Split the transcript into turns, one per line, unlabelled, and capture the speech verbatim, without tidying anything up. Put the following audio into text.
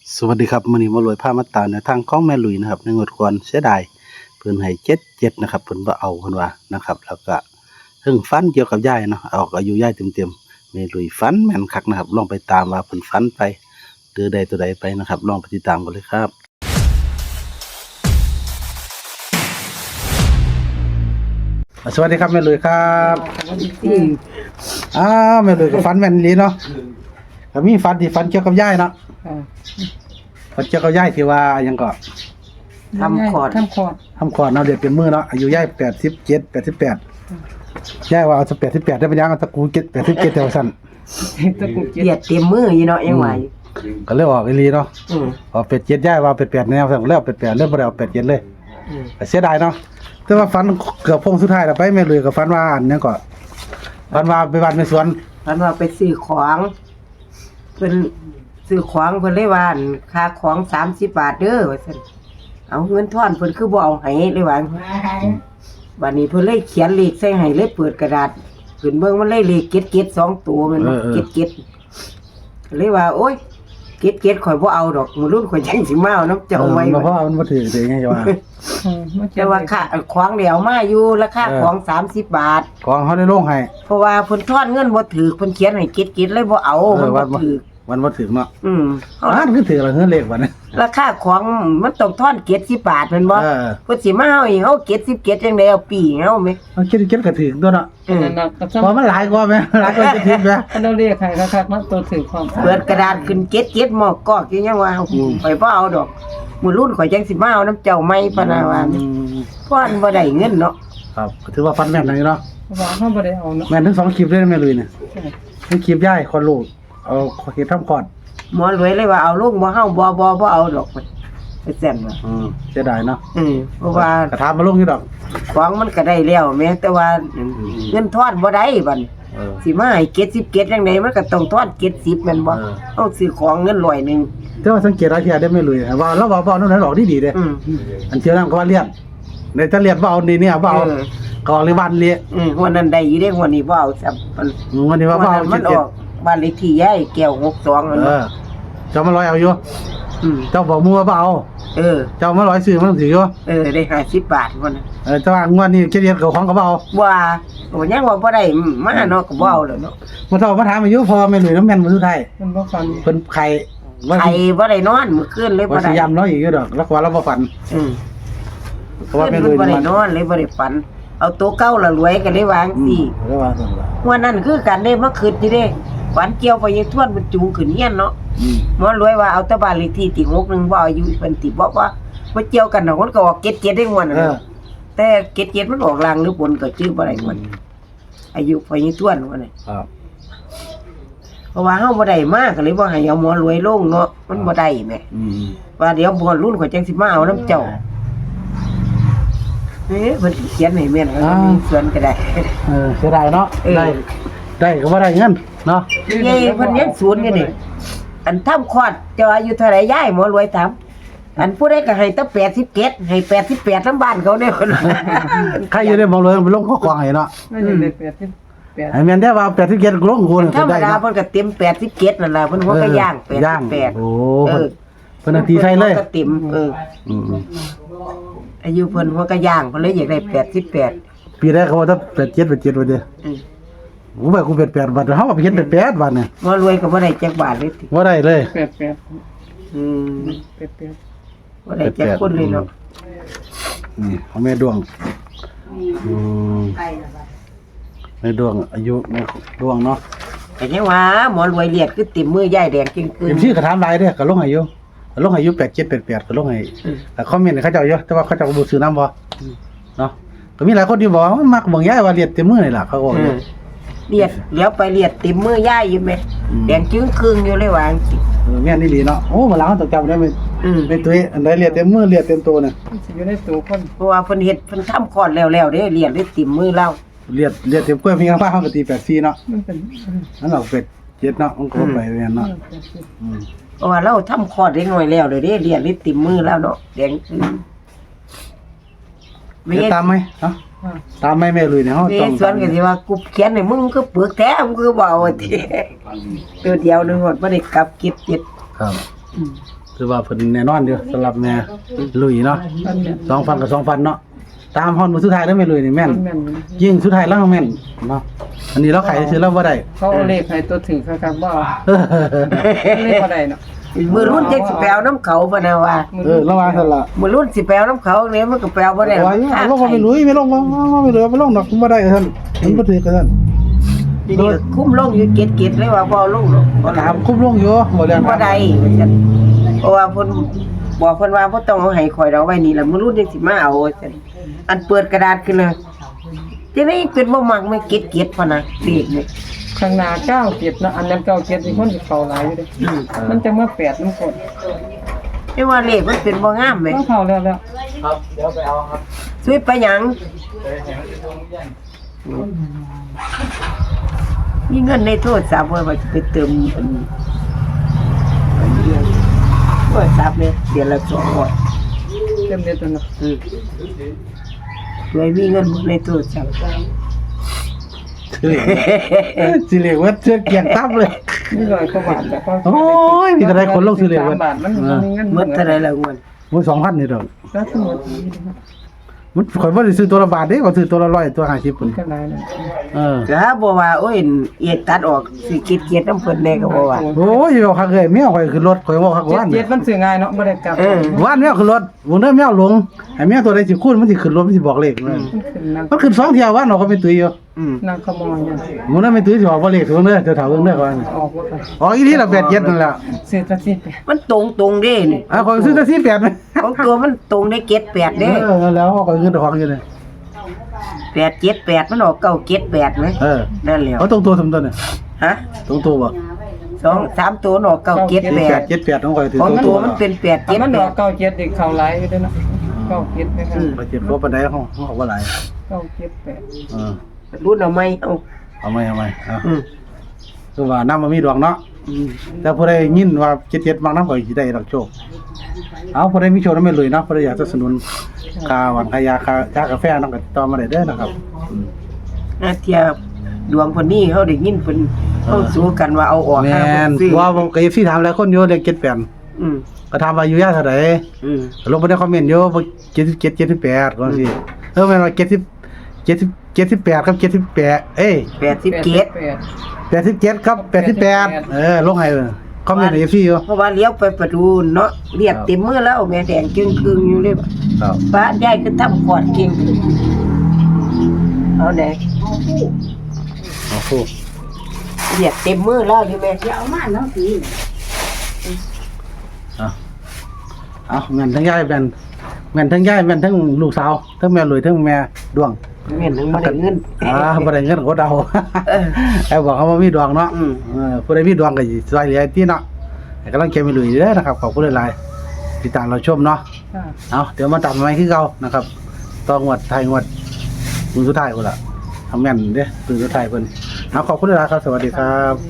สวัสดีครับมื้อนี้มารวยพามาตามแนวทางของแม่ลุยนะครับในงวดก่อนเสียดายเพิ่นให้เจ็ดเจ็ดนะครับเพิ่นบ่เอาเพิ่นว่านะครับแล้วก็เรื่องฝันเกี่ยวกับยายเนาะเอาอายุยายเต็มๆแม่ลุยฝันแม่นคักนะครับลองไปตามว่าเพิ่นฝันไปหรือใดตัวใดไปนะครับลองไปติดตามกันเลยครับสวัสดีครับแม่ลุยครับอ้าวแม่ลุยก็ฝันแม่นอีหลีเนาะก็มีฝันที่ฝันเกี่ยวกับยายเนาะฝันเกี่ยวกับยายที่ว่าหยังก็
ทำคอร์ด
ทำคอร์ด
ทำคลอดเนาะเด็กเป็นมือเนาะอายุยายแปดสิบเจ็ดแปดสิบแปดยายว่าเอาสักแปดสิบแปดได้เป็นยังเอาตะกูเจ็ดแปดสิบเจ็ดแถวสั้น
ตะกุกเจ็ด
เหยียดเต็มมืออยู่เนาะยังไหว
ก็เลยออกอีหลีเนาะ
อืม
ออกเป็ดเจ็ดยายว่าเป็ดแปดแนวสั่งแล้วเป็ดแปดเริ่มบ่ได้เอาเป็ดเจ็ดเลย
อืม
แต่เสียดายเนาะแต่ว่าฝันเกือบพงสุดท้ายแล้วไปแม่เลยกับฝันว่าอันนี้ก็ฝันว่าไปบ้านไปสวน
พันว่าไปซื้อของเพิ่นซื้อของเพิ่นเลยว่าอั่นค่าของสามสิบบาทเด้อว่าซั่นเอาเงินทอนเพิ่นคือบ่เอาให้เลยว่าบัดนี้เพิ่นเลยเขียนเลขใส่ให้เลยเปิดกระดาษขึ้นเบิ่งมันเลยเลขเก็ดเก็ดสองตัวแมันบ่เก็ดเก็ดเลยว่าโอ๊ยเก็ดเก็ดข่อยบ่เอาดอกมื้อรุ่นข่อยจังสิมาเอาน้ำเจ้าไว้
เพราะว่ามันบ่ถือได้ไงจะว่า
อืมมัน
แต่ว่าค่าของเดี๋ยวมาอยู่ราคาของสามสิบบาท
ของเขาได้ลงให้
เพราะว่าเพิ่นทอนเงินบ่ถือเพิ่นเขียนให้กิดกิดเลยบ่เอา
เอ
มัน
อ
บ่
วันบ่
ถือ
วันบ่ถึงเนาะ
อืม
อ่านคือถือละเฮือเลขวันนี้
ราคาของมันต้องทอนเจ็ดสิบบาทแม่นบ่
เออ
เพิ่นสิมาเฮาอีกเฮาเจ็ดสิบเจ็ดจังได๋เอาปีเฮาแม่
เอาคิดคิดก็ถึงตัวเนาะ
อืม
นั่นน่ะก็
เพราะมันหลายกว่าแม่หลายกว่าจะถึงแม่
ถ้าเราเรียกใครคักๆมันตัวถือความ
เปิดกระดาษขึ้นเจ็ดเจ็ดหมอกกอกอยู่ยังว่าข่อยบ่เอาดอกมื้อรุ่นข่อยจังสิมาเอาน้ำเจ้าใหม่พะนะว่า
อืม
เพราะอันบ่ได้เงินเนาะ
ครับก็ถือว่าฟันแม่นหน่อยเนาะ
ว่าเขาบ่ได้เอาเนาะ
แม่นทั้งสองคลิปเลยนะแม่ลุยเนี่ยทั้งคลิปย่ายคนลูกเอาเฮ็ดทำก่อน
หมอรวยเลยว่าเอาลงบ่เฮาบ่บ่บ่เอาดอกมันไปแซ่นว่า
อืมเสียดายเนาะ
อืมเพราะว่า
กระทามาลงอยู่ดอก
ของมันก็ได้แล้วแม้แต่ว่าเงินทอนบ่ได้บัดนี้
เออ
สิมาให้เก็ดสิบเก็ดจังไดมันก็ต้องทอนเก็ดสิบแม่นบ่
เออ
เอาซื้อของเงินร้อยหนึง
แต่ว่าสังเกตหลายเที่ยได้แม่ลุยว่าเราเว้าเว้านั่นหลอกดีๆเด้
อืม
อันเที่ยวนั้นก็ว่าเลียนในถ้าเลียนบ่เอานี่เนี่ยบ่เอา
เออ
ก็ออกเลยบ้านเลีย
อืมหัวนั้นได้อยู่เด้หัวนี้บ่เอาซับมัน
อืมวันนี้ว่าบ่เอา
หัวนั้นมันออกบ้านเลขที่ยายแก้วหกสองนั่น
เอ
เนาะ
อเจ้ามาร้อยเอาอยู่
อืม
เจ้าบอกมัวบ่เอา
เออ
เจ้ามาร้อยซื้อมันถืออยู่
เออได้ห้าสิบบาทพุ่นน่ะ
เออแต่ว่างวดนี้เจ็ดเดือนก็ของก็บ่เอา
ว่าโอ้ยังว่าบ่ได้มาเนาะก็บ่เอาแล้วเนาะ
มาเท่ามาถามอายุพอแม่ลุยน้ำแม่นมื้อสุดท้าย
มันบ่ฟัน
เพิ่นไข่ว่า
ใครบ่ได้นอนมื้อคืนเลยบ่
ว่า
ได้
สิยำเราอีกอยู่ดอกแล้วก็ว่าเราบ่ฝัน
อืม
เพราะว่าแม่
เพิ่
ลุ
น
ย
บ่ได้
มัน
นอนเลยบ่ได้ฝัน เอาตัวเก่าละรวยก็เลยวาง
อื
สิ
มแล้วว่าซั่นล่ะ
วันนั้นคือกันได้มาคืนอยู่เด้ฝันเกี่ยวไปยังทวนมันจูงขึ้นเฮียนเนาะ
อืม
หมอรวยว่าเอาแตะบ้านเลขที่ติหกหนึ่งบ่อายุเพิ่นติบ่ว่าบ่เกี่ยวกันดอกมันก็ออกเจ็ดเจ็ดได้งวดนั่น
เออ
น่ะแต่เจ็ดเจ็ดมันออกลางหรือบนก็ชื่อบ่ได้งวดอายุไปยังทวนว่าน่ะ
ครับ
เพราะว่าเฮาบ่ได้มาก็เลยบ่ให้เอาหมอรวยลงเนาะมันบ่ได้แหม
อืม
ว่าเดี๋ยวบ่รุ่นข่อยจังสิมาเอานํเจ้าเอ๊ะเพิ่นเขียนให้แม่นก็มีส่วนก็ได้
เออเสียดายเนาะ
เออ
ได้ได้ก็บ่ได้เงินเนาะ
ยายเพิ่นยังศูนย์อยู่นี่อันทำคลอดเจ้าอายุเท่าไหร่ยายหมอรวยถามอันผู้ใดก็ให้ตั้งแปดสิบเจ็ดให้แปดสิบแปดทั้งบ้านเขาเนี่ยเพิ่นว่า
ใครอยู่ได้มองเลยไปลงข้อกวางให้เนาะ
ไม่ได้เลยแปดสิบแปด
ให้แม่นได้ว่าแปดสิบเจ็ดลงกูนี่
ธรรม
ได้
ดา
เนาะ
เพิ่นก็เต็มแปดสิบเจ็ดนั่นล่ะเพิ่นหัวก็ย่างแปด
ย่าง
สิบแปด
โอ้
เออ
เพิ่นเอาตีใส่เลย
ก็เต็มเออ
อืม
อายุเพิ่นหัวก็ย่างเพิ่นเลยอยากได้แปดสิบแปด
ๆปีแรกเขาว่าถ้าแปดเจ็ดแปดเจ็ดว่าเด้อ
อืม
กูไปกูเป็นแปดบาทเฮาก็ไปเห็นเป็นแปดบาทเนี่ย
หมอรวยก็บ่ได้จักบาทเลยติ
บ่ได้เลย
แปดแปด
อืม
แปดแปด
บ่ได้จักคนเลยเนาะ
นี่ของแม่ดวงอืมแม่ดวงอายุแม่ดวงเนาะ
แต่ยังว่าหมอรวยเลียดคือเต็มมือยายแดงจึงคื
เต็
น
มที่ก็ถามหลายเด้อก็ลงอายุก็ลงอายุแปดเจ็ดแปดแปดก็ลงให้
อืม
แต่คอมเมนต์เขาเจ้าเยอะแต่ว่าเขาเจ้าก็บ่ซื้อน้ำบ่เนาะก็มีหลายคนที่บอกว่ามักเบิ่งยายว่าเรียนเต็มมือนี่ล่ะเขาก็บอก
อื
อยู่
มเลียดเลี้ยวไปเลียดเต็มมือยายอยู่แม่
อืม
แดงจึงครึ่งอยู่เลยว่าจังซี่
เออแม่นอี่หลีเนาะโอ้มาหลังเขาต้องจำได้ไหม
อืม
เป็นตัวอันใดเรียนเต็มมือเรียนเต็มตัวน่ะ
มันสิอยู่ในตัวคน
เพราะว่าเพิ่นเฮ็ดเพิ่นทำคลอดแล้วๆเด้เลียดได้เต็มมือเรา
เรียนเรียนเต็มกล้วยมีข้างฟ้าเขาก็ตีแปดสี่เนาะ
มันเป็น
นั่นเราเป็ดเจ็ดเนาะมันก็ไปแม่นเนาะอืม
เพราะว่าเราทำคลอดได้น้อยแล้วเด้เด้เลียดได้เต็มมือแล้วเนาะแดงจึงไม่
เดี๋ยว
ใช่
ตามไหมเนาะตามไหมแม่ลุยเนี่ยเฮา
มี
ต้อง
ส่วนก็สิว่ากูเขียนให้มึงก็เปลือกแท้มึงก็บ่เอาติตัวเดียวนึงหมดบ่ได้กลับเก็บเจ็ด
ครับถือว่าเพิ่นแน่นอนอยู่สำหรับแม่ลุยเนาะ
อันเนี้ย
สองพันกับสองพันเนาะตามฮอนมือสุดท้ายแล้วแม่ลุยนี่แม่น
แม่น
ยิ่งสุดท้ายแล้วแม่นเนาะอันนี้เราขายซื้อแล้วบ่ได้
เขาเอาเลขให้ตัวถือครับบ่เอาเลขบ่ได้เนาะ
มือรุ่นจังสิไปเอาน้ำเขาบ่นะว่า
เออระวังซั่นล่ะ
มือรุ่นสิไปเอาน้ำเขาเนี่ยมันก็ไปเอาบ่ได้
ว่าอยู่เอาลงมาไม่ลุยไม่ลงมาไม่เหลือไม่ลงดอกบ่ได้ซั่นมันบ่ถือกันซั่น
ทีนี้คุ้มลงอยู่เก็ดๆเลยว่าบ่เอาลงหรอกบ่
ตามคุ้มลงอยู่บ่เรื่อง
บ่ได้ว่าซั่นเพราะว่าเพิ่นบอกเพิ่นว่าบ่ต้องเอาให้ข่อยดอกไว้นี่ล่ะมือรุ่นจังสิมาเอาว่าซั่นอันเปิดกระดาษขึ้นน่ะจังได๋เป็นบ่มักไม่เก็ดๆพะนะเลขนี่
ข้างหน้าเก้าเจ็ดเนาะอันนั้นเก้าเจ็ดนี่คนสิเข้าหลายอยู่เด้
อืม
มันจะมาแปดนำกด
แต่ว่าเลขมันเป็นบ่งามแหม
ก็เข้าแล้วแล้ว
ครับเดี๋ยวไปเอาครับ
ซื้อไปหยังมีเงินในโทรศัพท์ว่าจะไปเติมอันอันเดียวโทรศัพท์เนี่ยเดือนละสองร้อย
เต็มเด็ดแล้วเนาะ
อืมด้วยมีเงินในโทรศัพท์
สิเรียกว่าเสื้อเกียงตับเลย
มีร้อยกว่าบาทแต่ก็
โอ้ยมีแต่ได้คนลงซื้อเลข
สามบาทมันบ่มีเงิน
หมดเท่าไหร่ละเงิน
มื้อสองพันนี่ดอก
แล้วทั้งหมด
มันข่อยบ่ได้ซื้อตัวละบาทเด้ก็ซื้อตัวละร้อยตัวห้าสิบพุ่น
ก็หลายนะ
เออ
ก็บ่ว่าโอ้ยเอียดตัดออกสิเกียดๆน้ำเพิ่นแน่ก็บ่ว่า
โอ้ยเอาคักเลยแมวข่อยขึ้นรถข่อยบอกคัก
เจ็ด
ว่าน
เจ็ดมันซื้อง่ายเนาะบ่ได้กลับ
เออ
ว่านแมวขึ้นรถวงเด้อแมวลงให้แมวตัวใดสิคูณมันสิขึ้นรถมันสิบอกเลขเลย
มันขึ้นนั่ง
มันขึ้นสองเที่ยวว่านเราก็ไม่ตุ้ยอยู่
อืม
นั่งขโมยเนี่ย
วงเด้อไม่ตุ้ยสิบอกบ่เลขวงเด้อเจ้าถามวงเด้อก่อน
ออกบ่ไป
อ๋ออีที่ละแปดเจ็ดนั่นแหละ
ซื้อแตะสิไป
มันตรงตรงๆเด้นี่
อ่ะข่อยซื้อแต่สี่แปดมั้ย
ของตัวมันตรงได้เก็ดแปด
เอ
เด้
อแล้วข่อยเงินของอยู่เลย
แปดเจ็ดแปดมันออกเก้าเจ็ดแปดไหม
เออ
นั่นแหละ
เขาตรงตัวสมตัวเนี่ย
ฮะ
ตรงตัวบ่
สองสามตัวมันออกเก้าเจ็ดแป
แป
ด
ดเจ็ดแปดของข่อยถือ
ของ
ตรง
ตั
ตัว ว
มันเป็นแปด
แต่
เจ็ด
มัน
แป
ดอ
ด
กเก้าเจ็ดอีกเข้าหลายอยู่เด้อเนาะเก้าเจ็ดไปกัน
บ่เจ็บบ่ปานใดของของเขาบ่หลาย
เก้าเจ็ดแปด
เออ
รุ่นเอาไหมเอา
เอาไหมเอาไหมเอา
อืม
คือว่าน้ำมันมีดวงเนาะ
อืม
แต่ผู้ใดยินว่าเจ็ดเจ็ดบางน้ำก็สิได้รับโชค เอาผู้ใดมีโชคนำไม่เลยเนาะผู้ใดอยากสนับสนุนค่าหวานค่ายาค่าชากาแฟเนาะก็ติดต่อมาได้เด้อนะครับอืม
นาเทียดวงคนนี้เขาได้ยินเพิ่นเขาสู้กันว่าเอาออก
แม่
ห้าเพิ่
น
นซื้อ
ว่าผมก็เอฟซีถามหลายคนอยู่เลขเจ็ดแปด
อืม
ก็ถามว่าอายุยาเท่าใด
อืม
ลงไปในคอมเมนต์อยู่ว่าเจ็ดสิบเจ็ด เจ็ดสิบแปดก็สิเออแม่นว่าเจ็ดสิบ เจ็ดสิบ เจ็ดสิบแปดครับเจ็ดสิบแปดเอ้ย
แปดสิบเจ็ด
แปด
แปดสิบเจ็ดครับแปดสิบแปดเออลงให้คอมเมนต์ใน เอฟ ซี อยู่
เพราะว่าเลี้ยวไปประตูเนาะเรียกเต็มมือแล้วแม่แดงจึงครึ่งอยู่เลย
ครับ
ป้ายายก็ทำขอดเก่งเอาไหน
โอ้โห
เรียกเต็มมือแล้วอยู่แม่เอามาเนาะสิ
เอาเอาแม่นทั้งยายแม่นแม่นทั้งยายแม่นทั้งลูกสาวทั้งแม่รวยทั้งแม่ดวง
เงินทั้งบ่ได้เงิน
อ่าบ่ได้เงินก็เดา
เออ
ไอ้บอกเขาว่ามีดวงเนาะ
อืม
เออผู้ใดมีดวงก็สิช่วยเหลือที่เนาะให้กำลังใจไม่ลุยเด้อนะครับขอบคุณหลายๆติดตามเราชมเนาะ
ค่ะ
เอาเดี๋ยวมาตัดไม้คือเก่านะครับต่องวดไทยงวดมือสุดท้ายพุ่นล่ะทำแม่นเด้อมือสุดท้ายเพิ่นเอาขอบคุณหลายๆครับสวัสดีครับ